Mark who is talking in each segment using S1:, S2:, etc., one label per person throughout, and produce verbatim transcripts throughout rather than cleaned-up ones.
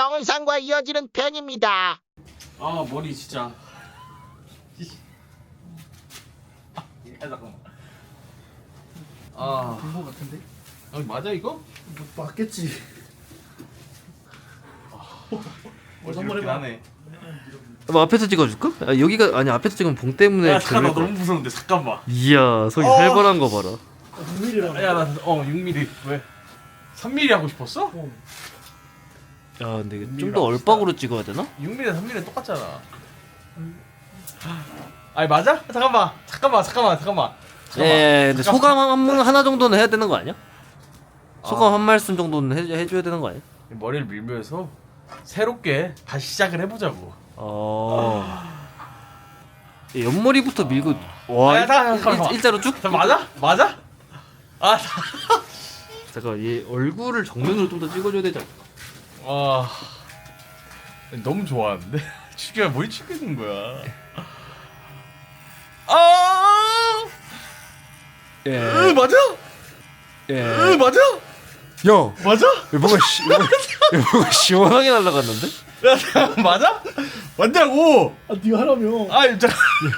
S1: 정상과 이어지는 편입니다.
S2: 아 머리 진짜. 아 잠깐만. 아
S3: 된거 같은데?
S2: 아 맞아 이거?
S3: 뭐 맞겠지.
S2: 어,
S3: 한번 해봐.
S2: 하네.
S4: 뭐 앞에서 찍어줄까? 아, 여기가 아니 앞에서 찍으면 봉 때문에
S2: 야 잠깐 나
S4: 별로일
S2: 너무 무서운데 잠깐만.
S4: 이야 속이
S2: 어.
S4: 살벌한 거 봐라.
S3: 육 밀리미터라고.
S2: 야나어 육 밀리미터 왜? 삼 밀리미터 하고 싶었어?
S3: 어.
S4: 야 근데 좀 더 얼박으로 찍어야 되나?
S2: 육 밀리미터 삼 밀리미터 똑같잖아. 아니 맞아? 잠깐만 잠깐만 잠깐만 잠깐만. 잠깐만.
S4: 예 근데
S2: 잠깐만.
S4: 소감 한, 문- 하나 정도는 해야 되는 거 아니야? 소감
S2: 아.
S4: 한 말씀 정도는 해, 해줘야 되는 거 아니야?
S2: 머리를 밀면서 새롭게 다시 시작을 해보자고.
S4: 어... 예, 옆머리부터 밀고 와
S2: 아, 잠깐만, 잠깐만.
S4: 일, 일자로 쭉?
S2: 자, 맞아? 맞아? 아
S4: 잠깐 얘 얼굴을 정면으로 좀 더 찍어줘야 되잖아.
S2: 아 너무 좋아하는데 죽여 뭘 죽이는 거야? 아,
S4: 예.
S2: 으, 맞아?
S4: 예.
S2: 으, 맞아?
S4: 야
S2: 맞아?
S4: 뭔가 시, 뭔가, 뭔가 시원하게 날아갔는데?
S2: 야, 잠깐, 맞아? 맞냐고?
S3: 아 네가 하라며.
S2: 아, 잠깐.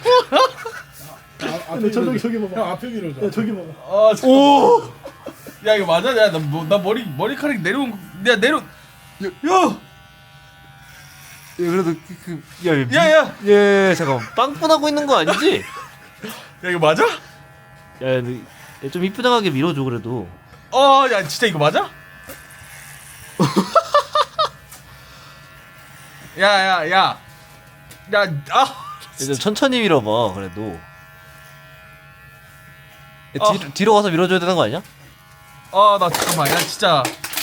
S3: 아, 앞에 저기 저기 봐봐. 형 앞에 밀어줘. 야 저기 봐봐.
S2: 아, 잠깐.
S4: 오!
S2: 야, 이거 맞아? 야, 나, 뭐, 나 머리 머리카락 내려온, 야, 내려. 야,
S4: 예, 그래도 그, 그, 야, 미,
S2: 야, 야,
S4: 예, 잠깐 빵꾸나고 있는 거 아니지?
S2: 야, 이거 맞아?
S4: 야, 근데 얘좀 이쁘장하게 밀어줘 그래도.
S2: 어, 야, 진짜 이거 맞아? 야, 야, 야, 야, 아,
S4: 이제 천천히 밀어봐 그래도. 야,
S2: 어.
S4: 뒤로, 뒤로 가서 밀어줘야 되는 거 아니야?
S2: 아, 나 잠깐만, 야, 진짜.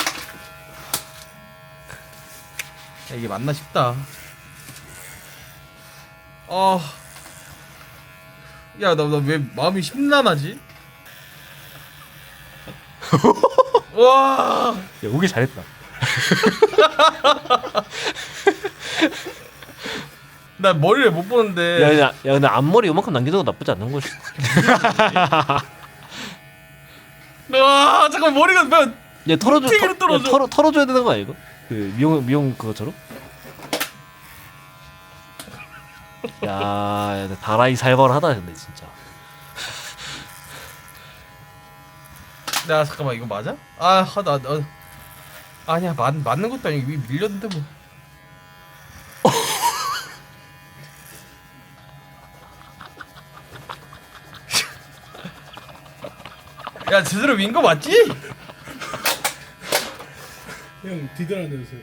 S2: 야, 이게 맞나 싶다. 아, 야, 나, 나 왜 마음이 심란하지? 와,
S4: 야, 오기 잘했다.
S2: 나 머리를 못 보는데.
S4: 야, 야, 야, 근데 앞머리 요만큼 남겨도 나쁘지 않는 거지.
S2: 와, 잠깐 머리가 몇?
S4: 야, 털어줘,
S2: 튀기로
S4: 털, 야,
S2: 떨어져.
S4: 털어, 털어줘야 되는 거 아니야 이거? 그 미용 미용 그거처럼? 야, 야 다라이 살벌하다 근데 진짜.
S2: 야, 잠깐만 이거 맞아? 아, 나, 나 아니야, 맞 맞는 것도 아니고 위 밀렸는데 뭐. 야, 제대로 민 거 맞지?
S3: 형 뒤돌아 내주세요.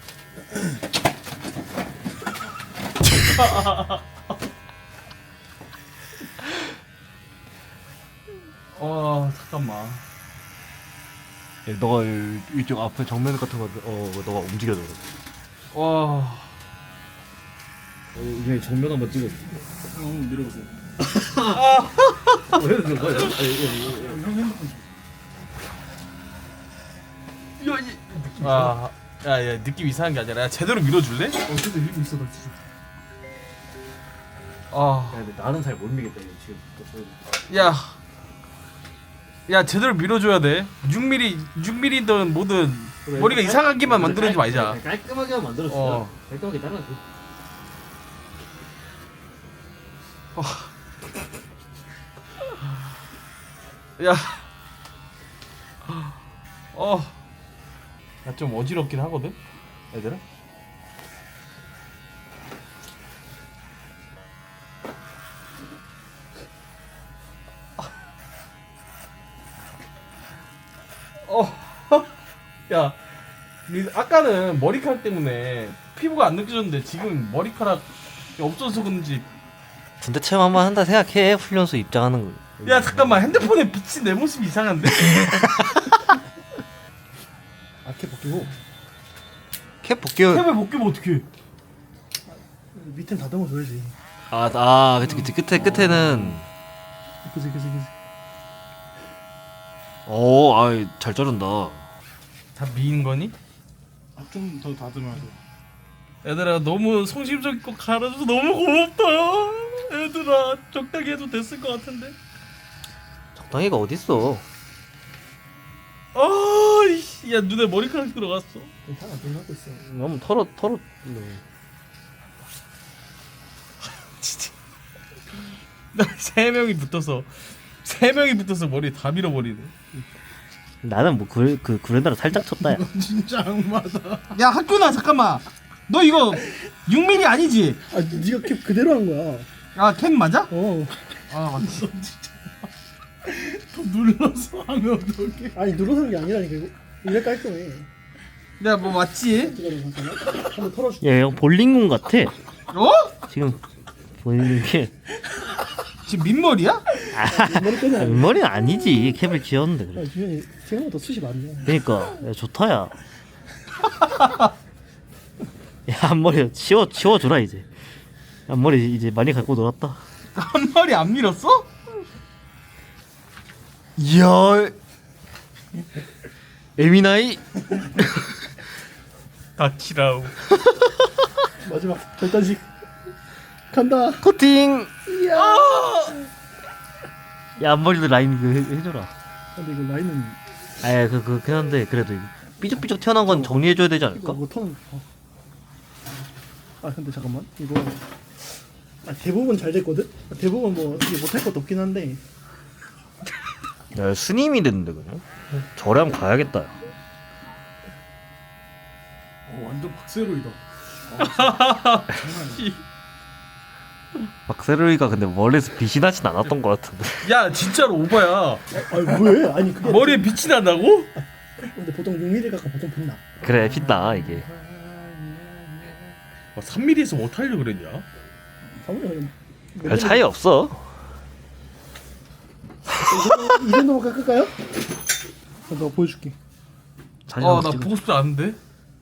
S2: 어, 잠깐만.
S4: 야, 너가 이쪽 앞에 정면 같은 거, 어, 너가 움직여줘.
S2: 와,
S4: 이제 정면 한번 찍어줘.
S3: 형 밀어보세요.
S4: 왜 그런 거야?
S3: 형 핸드폰.
S2: 아, 야, 야, 느낌 이상한 게 아니라 야, 제대로 밀어줄래?
S3: 어 근데 밀고 있어 나 진짜.
S2: 아,
S4: 근데 나는 잘 못 미겠다 이거 지금.
S2: 야, 야, 제대로 밀어줘야 돼. 육 밀리미터, 육 밀리미터든 뭐든 머리가 이상하게만 만들어주지 말자.
S4: 깔끔하게만 만들었어.
S2: 어.
S4: 깔끔하게 따라줘.
S2: 야, 어, 나 좀 어지럽긴 하거든, 얘들아. 어, 야, 이- 아까는 머리카락 때문에 피부가 안 느껴졌는데 지금 머리카락 없어서 그런지.
S4: 군대 체험 한번 한다 생각해. 훈련소 입장하는 거.
S2: 야, 잠깐만, 핸드폰에 비친 내 모습이 이상한데?
S3: 아케 벗기고
S4: 캡 볼게요.
S2: 캡을 벗기면 어떡해?
S3: 밑엔 다듬어 줘야지.
S4: 아, 아, 그치, 그치. 끝에, 끝에는.
S3: 그지 그지 그지.
S4: 오, 아이, 잘 자른다.
S2: 다 미인 거니?
S3: 좀 더 다듬어야죠.
S2: 얘들아, 너무 성심성의껏 갈아줘서 너무 고맙다. 얘들아, 적당히 해도 됐을 것 같은데.
S4: 적당히가 어딨어.
S2: 아, 이씨. 야 눈에 머리카락 들어갔어.
S3: 괜찮아, 눈 하고 있어.
S4: 한번 털어 털어.
S2: 진짜. 나 세 명이 붙어서 세 명이 붙어서 머리 다 밀어버리네.
S4: 나는 뭐그 그 구레나루 살짝 쳤다야.
S3: 진짜 악마다.
S2: 야 학교나 잠깐만. 너 이거 육 밀리미터 아니지?
S3: 아, 네가 캡 그대로 한 거야.
S2: 아 캡 맞아?
S3: 어.
S2: 아 맞지.
S3: 더 눌러서 하면 어떡해? 아니 눌러서 하는 게 아니라니까 이거. 이래 깔끔해.
S2: 야 뭐 맞지?
S3: 기다려 잠깐만. 한번 털어줄게.
S4: 야, 이거 볼링공 같아.
S2: 어?
S4: 지금 보이는 게
S2: 지금 민머리야?
S3: 머리 빼는 아니야.
S4: 머리는 아니지. 캡을 지었는데 그래.
S3: 야, 주현이 생각보다 숱이 많네.
S4: 그러니까 야, 좋다야. 야, 앞머리 치워 치워 주라 이제. 앞머리 이제 많이 갖고 놀았다.
S2: 한 머리 안 밀었어?
S4: 이야. 에미나이.
S2: 다키라우.
S3: 마지막 결단식 간다.
S4: 커팅. 야, 앞머리도 라인 그 해- 해줘라.
S3: 근데 이거 라인은
S4: 아예 그 그긴 한데 그래도 이거 삐죽삐죽 튀어나온 건 정리해줘야 되지
S3: 이거
S4: 않을까?
S3: 뭐 터는. 어. 아 근데 잠깐만 이거 아, 대부분 잘 됐거든. 아, 대부분 뭐 이게 못할 것도 없긴 한데.
S4: 야, 스님이 됐는데 그냥. 절에 한번 가야겠다.
S3: 어, 완전 박세로이다.
S4: 박세로이가 근데 멀리서 빛이 나진 않았던 것 같은데.
S2: 야 진짜로 오바야.
S3: 아니 왜? 아니 그게
S2: 머리에 빛이 난다고?
S3: 근데 보통 육 밀리미터 갖고 보통 빛나.
S4: 그래 빛나 이게.
S2: 아, 삼 밀리미터에서 뭐 타려고 그랬냐?
S3: 사무엘 그냥
S4: 별 차이 없어.
S3: 이 정도- 이 정도만 깎을까요? 아, 내가 보여줄게.
S4: 사진
S2: 아
S4: 한번
S2: 나
S4: 찍어.
S2: 보고 싶지 않은데.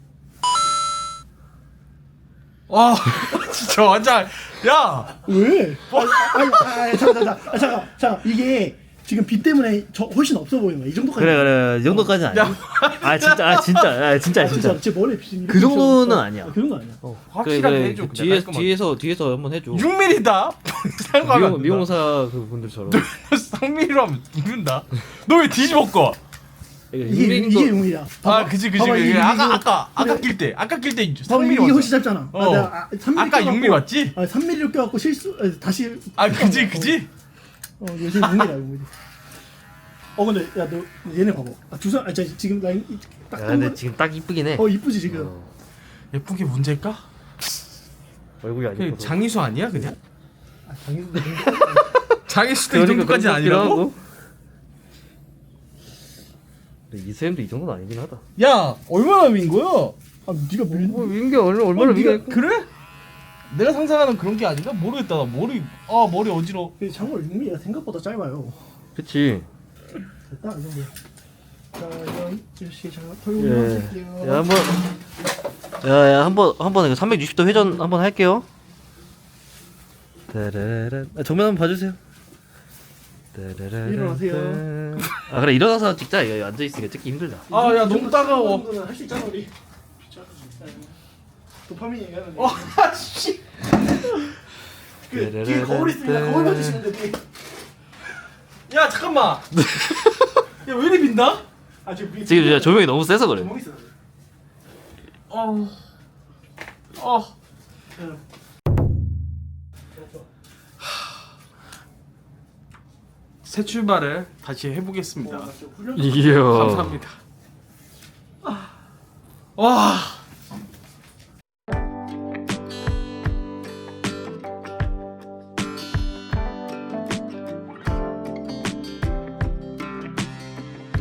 S2: 아 진짜 완전 야
S3: 왜? 아, 아니, 아, 아니, 잠깐, 잠깐, 아, 잠깐, 잠깐. 이게 지금 빛 때문에 저 훨씬 없어 보이는 거야. 이 정도까지.
S4: 그래 그래 이 정도까지는 아니야. 아 진짜 아 진짜 아 진짜
S3: 아,
S4: 진짜.
S3: 진짜 제 머리에 빛이
S4: 그 정도는
S3: 어,
S4: 아니야.
S3: 그 정도 아니야.
S4: 어.
S2: 확실하게 해줘, 그냥
S4: 뒤에
S2: 깔끔하게.
S4: 뒤에서 뒤에서 한번 해줘.
S2: 육 밀리미터다. 상관없다.
S4: 미용 미용사 그 분들처럼.
S2: 삼 밀리미터 하면 죽는다. 너 왜 뒤집어 꿔?
S3: 이게 이게 용이야.
S2: 아 그지 그지. 그지. 아까 아까 아까 낄 때 아까 낄때 삼
S3: 이게
S2: 밀리미터
S3: 훨씬 짧잖아.
S2: 어.
S3: 아, 내가 아, 삼 밀리미터
S2: 아까 육 밀리미터 맞지?
S3: 아, 삼 밀리미터 껴갖고 실수 아, 다시.
S2: 아 그지 그지.
S3: 어, 어 요즘 육 밀리미터야 육 밀리미터. 어 근데 야 너 얘네 봐봐. 아, 두상 아 저, 지금 라인 이- 딱
S4: 야
S3: 떤
S4: 근데
S3: 거.
S4: 지금 딱 이쁘긴 해.
S3: 어 이쁘지 지금.
S4: 어.
S2: 예쁜 게 문제일까?
S4: 얼굴이 안
S2: 그
S4: 예뻐서.
S2: 장이수 아니야 그냥?
S3: 아 장인데.
S2: 장이수도 이 정도까지 아니라고?
S4: 이세임도 이 정도는 아니긴 하다.
S2: 야 얼마나 민 거야?
S3: 아 네가 밀.
S4: 뭐 민게 얼마 얼마나
S3: 어,
S4: 민게?
S3: 네가-
S2: 그래? 내가 상상하는 그런 게 아닌가? 모르겠다. 나 머리 아 머리 어지러.
S3: 그 장물 육 밀리미터가 생각보다 짧아요.
S4: 그치.
S3: 됐다 이 정도. 자 이런 주시 자
S4: 예.
S3: 털고
S4: 야 한번. 야야 한번 한번 삼백육십 도 회전 한번 할게요. 따라란. 아, 정면 한번 봐주세요. 따라란.
S3: 일어나세요.
S4: 아 그래 일어나서 찍자. 이거 앉아 있으니까 찍기 힘들다.
S2: 아 야 너무 따가워.
S3: 할수 있잖아 우리. 도파민 얘기하는.
S2: 어 씨.
S3: 그 뒤에 거울 있으면 거울 봐주시면 돼.
S2: 야 잠깐만. 야 왜 이리 빛나?
S3: 아 지금 우리
S4: 지금 진짜 조명이 너무 세서 그래.
S3: 구멍 있어.
S2: 어. 어. 새 출발을 다시 해보겠습니다.
S3: 어, 나 지금 훈련.
S4: 이야.
S2: 감사합니다. 와.